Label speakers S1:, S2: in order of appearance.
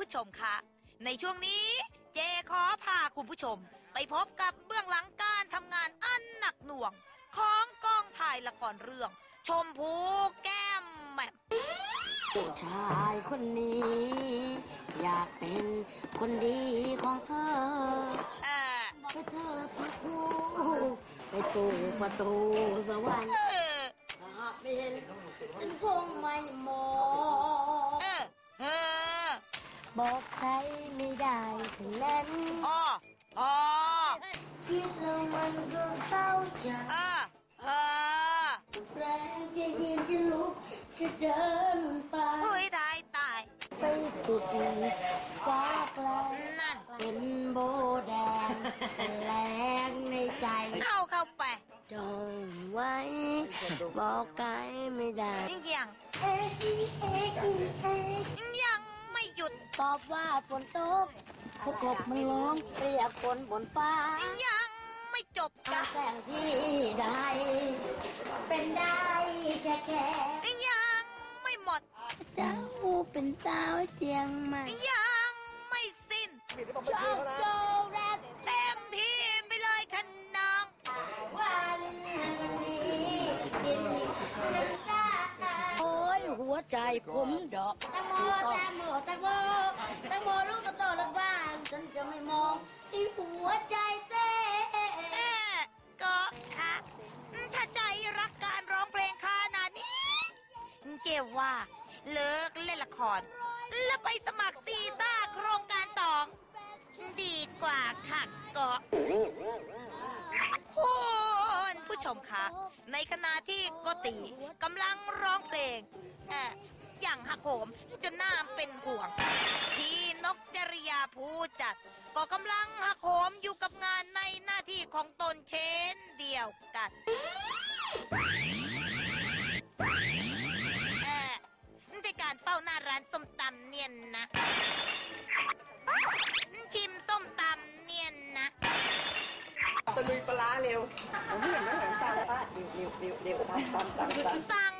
S1: ผู้ชมคะในช่วงนี้เจขอพาคุณผู้ชมไปพบกับเบื้องหลังการทำงานอันหนักหน่วงของกองถ่ายละครเรื่องชมพูแก้มแหม่ม
S2: ผู้ชายคนนี้อยากเป็นคนดีของเธอให้เธอทุกคู่ไปสู่ประตูสวรรค์ถ้าเป็นฉันคงไม่มองบอกใครไม่ได้ถึงนั้นคิดแล้วมันก็เศร้าใจแรงจะยืนจะลุกจะเดินไป
S1: ตาย
S2: ไปสุดฟ้าไกล
S1: นั่น
S2: เป็นโบแดงเป็นแรงในใจ
S1: เข้าไป
S2: จงไว้บอกใครไม่ได้
S1: ยังไม่หยุด
S2: ตอบว่าฝนตกพวกกบมันร้องเรียกฝนบนฟ้า
S1: ยังไม่จบ
S2: จ้ะแสงที่ได้เป็นได้แค่
S1: ยังไม่หมด
S2: เจ้าเป็นสาวเชียงใหม่
S1: ยังไม่สิ้น
S2: โจแรด
S1: เต็มที่ไปเลยคันน้อง
S2: วันนี้กินน้ำตาโอ้ยหัวใจผมดอกแตงโมลูกโตรถบ้านฉันจะไม่มองที่หัวใจเต้
S1: ก็ถ้าใจรักการร้องเพลงขนาดนี้เจ๊ว่าเลิกเล่นละครแล้วไปสมัครซีซ่าโครงการ2ดีกว่าค่ะก็คุณผู้ชมคะในขณะที่โกติกำลังร้องเพลงอย่างหักโหมจนน่าเป็นห่วงพี่นกจริยาผู้จัดก็กำลังหักโหมอยู่กับงานในหน้าที่ของตนเช่นเดียวกันในการเป้าหน้าร้านส้มตำเนียนนะชิมส้มตำเนียนนะ
S3: ตะลุยปลาเร็วผมเห็นไหมเห็นตาป้าเร็วตาม
S1: สั่ง